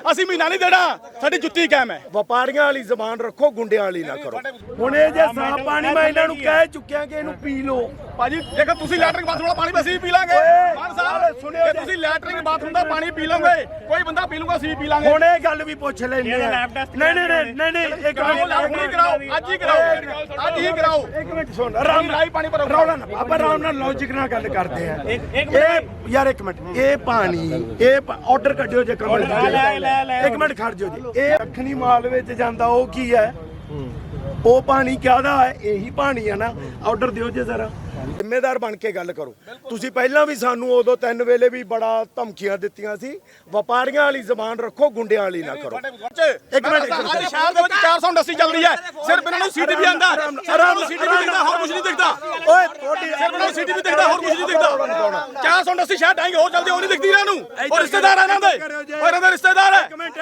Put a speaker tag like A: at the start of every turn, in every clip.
A: ਅਸੀਂ ਮਹੀਨਾ ਨਹੀਂ ਦੇਣਾ, ਸਾਡੀ ਜੁੱਤੀ ਕਾਇਮ ਹੈ।
B: ਵਪਾਰੀਆਂ ਵਾਲੀ ਜ਼ਬਾਨ ਰੱਖੋ, ਗੁੰਡਿਆਂ ਵਾਲੀ ਨਾ ਕਰੋ। ਹੁਣ ਇਹ ਜੇ ਸਾਫ ਪਾਣੀ ਮੈਂ ਇਹਨਾਂ ਨੂੰ ਕਹਿ ਚੁੱਕਿਆ ਕਿ ਇਹਨੂੰ ਪੀ ਲਓ।
A: ਭਾਜੀ ਦੇਖੋ ਤੁਸੀਂ ਲੈਟਰਿੰਗ ਬਾਥਰੂਮ ਦਾ ਪਾਣੀ ਵੀ ਅਸੀਂ ਪੀ ਲਾਂਗੇ। ਮਾਨ ਸਾਹਿਬ ਸੁਣਿਓ, ਤੁਸੀਂ ਲੈਟਰਿੰਗ ਬਾਥਰੂਮ ਦਾ ਪਾਣੀ ਪੀ ਲਓਗੇ, ਕੋਈ ਬੰਦਾ ਪੀ ਲੂਗਾ, ਅਸੀਂ ਪੀ ਲਾਂਗੇ।
B: ਹੁਣ ਇਹ ਗੱਲ ਵੀ ਪੁੱਛ ਲੈਂਦੇ ਆ। ਨਹੀਂ ਇੱਕ
A: ਮਿੰਟ ਕਰਾਓ, ਅੱਜ ਹੀ ਕਰਾਓ, ਅੱਜ ਹੀ ਕਰਾਓ।
B: ਇੱਕ ਮਿੰਟ ਸੁਣ, ਆਰਾਮ ਨਾਲ
A: ਪਾਣੀ ਭਰੋ,
B: ਰੌਲਾ ਨਾ, ਆਪਾਂ ਆਰਾਮ ਨਾਲ ਲੌਜੀਕ ਨਾਲ ਗੱਲ ਕਰਦੇ ਆ। ਇਹ ਯਾਰ ਇੱਕ ਮਿੰਟ, ਇਹ ਪਾਣੀ ਇਹ ਆਰਡਰ ਕੱਢਿਓ ਜੇ ਕਮਲ ਇੱਕ ਮਿੰਟ ਖੜ ਜਾਓ ਜੀ। ਇਹ ਦੱਖਣੀ ਮਾਲ ਵਿੱਚ ਜਾਂਦਾ, ਉਹ ਕੀ ਹੈ? ਉਹ ਪਾਣੀ ਕਿਹਦਾ ਹੈ? ਇਹੀ ਪਾਣੀ ਹੈ ਨਾ। ਆਰਡਰ ਦਿਓ ਜੇ ਜ਼ਰਾ, ਜ਼ਿੰਮੇਦਾਰ ਬਣ ਕੇ ਗੱਲ ਕਰੋ। ਤੁਸੀਂ ਪਹਿਲਾਂ ਵੀ ਸਾਨੂੰ ਉਦੋਂ 3 ਵੇਲੇ ਵੀ ਬੜਾ ਧਮਕੀਆਂ ਦਿੱਤੀਆਂ ਸੀ। ਵਪਾਰੀਆਂ ਵਾਲੀ ਜ਼ਬਾਨ ਰੱਖੋ, ਗੁੰਡਿਆਂ ਵਾਲੀ ਨਾ ਕਰੋ।
A: ਇੱਕ ਮਿੰਟ, ਅੱਜ ਸ਼ਹਿਰ ਦੇ ਵਿੱਚ 400 ਇੰਡਸਟਰੀ ਚੱਲ ਰਹੀ ਹੈ, ਸਿਰਫ ਇਹਨਾਂ ਨੂੰ ਸੀਟੀ ਵੀ ਆਂਦਾ, ਸਿਰਫ ਨੂੰ ਸੀਟੀ ਵੀ ਦਿਖਦਾ, ਹੋਰ ਕੁਝ ਨਹੀਂ ਦਿਖਦਾ।
B: ਓਏ ਤੁਹਾਡੀ
A: ਸਿਰਫ ਇਹਨਾਂ ਨੂੰ ਸੀਟੀ ਵੀ ਦਿਖਦਾ, ਹੋਰ ਕੁਝ ਨਹੀਂ ਦਿਖਦਾ। 400 ਇੰਡਸਟਰੀ ਸ਼ਹਿਰ ਡਾਂਗੇ ਹੋਰ ਚੱਲਦੇ, ਉਹ ਨਹੀਂ ਦਿਖਦੀ ਇਹਨਾਂ ਨੂੰ। ਉਹ ਰਿਸ਼ਤੇਦਾਰ ਇਹਨਾਂ ਦੇ, ਉਹ ਇਹਨਾਂ ਦੇ ਰਿਸ਼ਤੇਦਾਰ ਹੈ।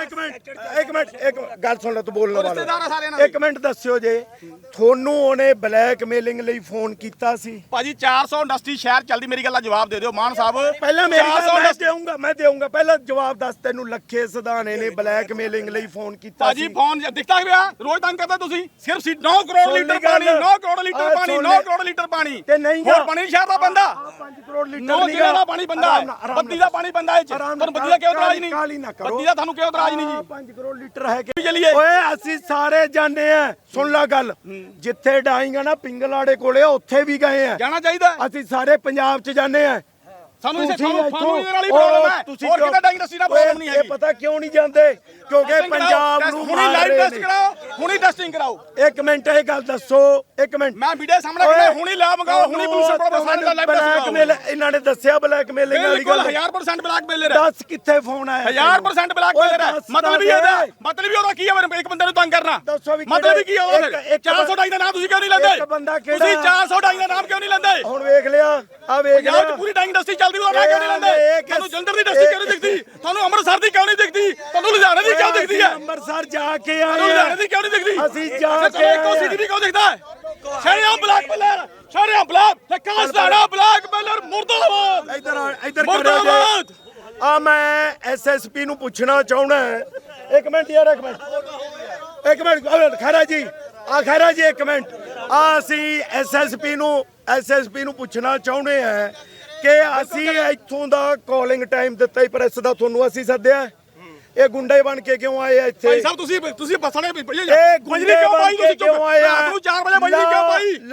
B: ਇੱਕ ਗੱਲ ਸੁਣ ਲੈ, ਤੂੰ ਬੋਲਣ ਵਾਲਾ। ਇੱਕ ਮਿੰਟ ਦੱਸਿਓ ਜੇ ਤੁਹਾਨੂੰ ਉਹਨੇ ਬਲੈਕਮੇਲਿੰਗ ਲਈ ਫੋਨ ਕੀਤਾ ਸੀ?
A: ਭਾਜੀ 400 ਇੰਡਸਟਰੀ ਸ਼ਹਿਰ ਚੱਲਦੀ, ਮੇਰੀ ਗੱਲ ਦਾ ਜਵਾਬ ਦੇ ਦਿਓ ਮਾਨ ਸਾਹਿਬ।
B: ਪਹਿਲਾਂ ਮੇਰੀ ਗੱਲ ਮੈਂ ਦੇਊਂਗਾ ਪਹਿਲਾਂ ਜਵਾਬ ਦੱਸ। ਤੈਨੂੰ ਲੱਖੇ ਸਿਧਾਣੇ ਨੇ ਬਲੈਕਮੇਲਿੰਗ ਲਈ ਫੋਨ ਕੀਤਾ
A: ਭਾਜੀ ਫੋਨ ਦਿਖਦਾ ਪਿਆ, ਰੋਜ਼ ਤੰਗ ਕਰਦਾ ਤੁਸੀਂ। ਸਿਰਫ 9 ਕਰੋੜ ਲੀਟਰ ਪਾਣੀ, 9 ਕਰੋੜ ਲੀਟਰ ਪਾਣੀ, 9 ਕਰੋੜ ਲੀਟਰ ਪਾਣੀ
B: ਤੇ ਨਹੀਂ
A: ਹੋਰ ਪਾਣੀ ਸ਼ਹਿਰ ਦਾ ਬੰਦਾ।
B: 5 ਕਰੋੜ ਲੀਟਰ
A: 9 ਜ਼ਿਲ੍ਹਿਆਂ ਦਾ ਪਾਣੀ ਬੰਦਾ, ਬੱਤੀ ਦਾ ਪਾਣੀ ਬੰਦਾ। ਇਹ ਤੁਹਾਨੂੰ ਬੱਤੀ ਦਾ ਕਿਉਂ ਇਤਰਾਜ਼ ਨਹੀਂ? ਬੱਤੀ ਦਾ ਤੁਹਾਨੂੰ ਕਿਉਂ ਇਤਰਾਜ਼ ਨਹੀਂ ਜੀ?
B: 5 ਕਰੋੜ ਲੀਟਰ ਹੈ ਕਿ
A: ਚੱਲੀਏ।
B: ਓਏ ਅਸੀਂ ਸਾਰੇ ਜਾਣੇ ਆ, ਸੁਣ ਲੈ ਗੱਲ। ਜਿੱਥੇ ਡਾਈਂਗਾ ਨਾ ਪਿੰਗਲਾੜੇ ਕੋਲੇ, ਉੱਥੇ ਵੀ ਗਏ ਆ।
A: ਜਾਣਾ ਚਾਹੀਦਾ।
B: ਅਸੀਂ ਸਾਰੇ ਪੰਜਾਬ 'ਚ ਜਾਣੇ ਆ।
A: ਸਾਨੂੰ ਇਹਦੇ ਨਾਲ ਹੀ ਪ੍ਰੋਬਲਮ ਹੈ, ਹੋਰ ਕਿਤੇ ਡਾਈਂਗ ਇੰਡਸਟਰੀ ਦਾ ਪ੍ਰੋਬਲਮ ਨਹੀਂ ਹੈ।
B: ਇਹ ਪਤਾ ਕਿਉਂ ਨਹੀਂ ਜਾਂਦੇ? ਕਿਉਂਕਿ ਪੰਜਾਬ ਨੂੰ
A: ਹੁਣੀ ਲਾਈਵ ਟੈਸਟ ਕਰਾਓ, ਹੁਣੀ ਟੈਸਟਿੰਗ ਕਰਾਓ।
B: ਇੱਕ ਮਿੰਟ ਇਹ ਗੱਲ ਦੱਸੋ, ਇੱਕ ਮਿੰਟ।
A: ਮੈਂ ਵੀਡੀਓ ਸਾਹਮਣੇ ਕਰਦਾ, ਹੁਣੀ ਲਾ ਮੰਗਾਓ, ਹੁਣੀ ਪੁਲਿਸ ਪ੍ਰੋਫੈਸਰ ਦਾ ਲਾਈਵ ਟੈਸਟ
B: ਬਲੈਕਮੇਲ ਇਹਨਾਂ ਨੇ ਦੱਸਿਆ, ਬਲੈਕਮੇਲਿੰਗ ਵਾਲੀ ਗੱਲ।
A: 1000% ਬਲੈਕਮੇਲਰ ਹੈ।
B: ਦੱਸ ਕਿੱਥੇ ਫੋਨ ਆਇਆ?
A: 1000% ਬਲੈਕਮੇਲਰ ਹੈ। ਮਤਲਬ ਹੀ ਉਹਦਾ ਕੀ ਹੈ? ਇੱਕ ਬੰਦੇ ਨੂੰ ਤੰਗ ਕਰਨਾ। ਮਤਲਬ ਕੀ ਹੈ ਉਹਦਾ? 400 ਡਾਈ ਦਾ ਨਾਮ ਤੁਸੀਂ ਕਿਉਂ ਨਹੀਂ ਲੈਂਦੇ? ਤੁਸੀਂ 400 ਡਾਈ ਦਾ ਨਾਮ ਕਿਉਂ ਨਹੀਂ ਲੈਂਦੇ?
B: ਹੁਣ ਵੇਖ ਲਿਆ, ਆ ਵੇਖ ਲਿਆ।
A: ਪੂਰੀ ਡਾਈਂਗ ਇੰਡਸਟਰੀ ਚੱਲਦੀ, ਉਹਦਾ ਨਾਮ ਕਿਉਂ ਨਹੀਂ ਲੈਂਦੇ? ਤੁਹਾਨੂੰ ਜਲੰਧਰ ਦੀ ਇੰਡਸਟਰੀ ਕਿਉਂ ਨਹੀਂ ਦਿਖਦੀ? ਤੁਹਾਨੂੰ ਅੰਮ੍ਰਿਤਸਰ ਦੀ ਕਿਉਂ ਨਹੀਂ ਦਿਖਦੀ? ਤੁਹਾਨੂੰ ਲੁਧਿਆਣੇ ਦੀ ਕਿਉਂ ਦਿਖਦੀ ਹੈ?
B: ਅੰਮ੍ਰਿਤਸਰ ਜਾ ਕੇ ਆਏ,
A: ਲੁਧਿਆਣੇ ਦੀ ਕਿਉਂ ਨਹੀਂ ਦਿਖਦੀ?
B: ਅਸੀਂ ਜਾ ਕੇ ਆਏ।
A: ਇੱਕੋ ਸਿਟੀ ਵੀ ਕਿਉਂ ਦਿਖਦਾ ਹੈ? ਸ਼ਰਿਆਮ ਬਲੈਕਮੇਲਰ, ਸ਼ਰਿਆਮ ਬਲੈਕ ਤੇ ਕਾਸਟਾੜਾ ਬਲੈਕਮੇਲਰ ਮੁਰਦਾਬਾਦ।
B: ਇੱਧਰ
A: ਮੁਰਦਾਬਾਦ।
B: ਆ ਮੈਂ ਐਸਐਸਪੀ ਨੂੰ ਪੁੱਛਣਾ ਚਾਹੁੰਦਾ। ਇੱਕ ਮਿੰਟ ਯਾਰ, ਇੱਕ ਮਿੰਟ ਖੈਰਾ ਜੀ, ਖੈਰਾ ਜੀ ਇੱਕ ਮਿੰਟ। ਅਸੀਂ ਐਸਐਸਪੀ ਨੂੰ ਪੁੱਛਣਾ ਚਾਹੁੰਦੇ ਆ ਕਿ ਅਸੀਂ ਇੱਥੋਂ ਦਾ ਕਾਲਿੰਗ ਟਾਈਮ ਦਿੱਤਾ ਹੀ ਪ੍ਰੈਸ ਦਾ, ਤੁਹਾਨੂੰ ਅਸੀਂ ਸੱਦਿਆ। ਇਹ ਗੁੰਡੇ ਬਣ ਕੇ ਕਿਉਂ ਆਏ ਆ ਇੱਥੇ?
A: ਭਾਈ ਸਾਹਿਬ ਤੁਸੀਂ ਬੱਸਾਂ ਨੇ
B: ਇਹ ਗੁੰਡੇ ਬਣ ਕੇ ਕਿਉਂ ਆਏ ਆ?
A: 4 ਵਜੇ ਬਜਲੀ ਕਿਉਂ ਪਾਈ?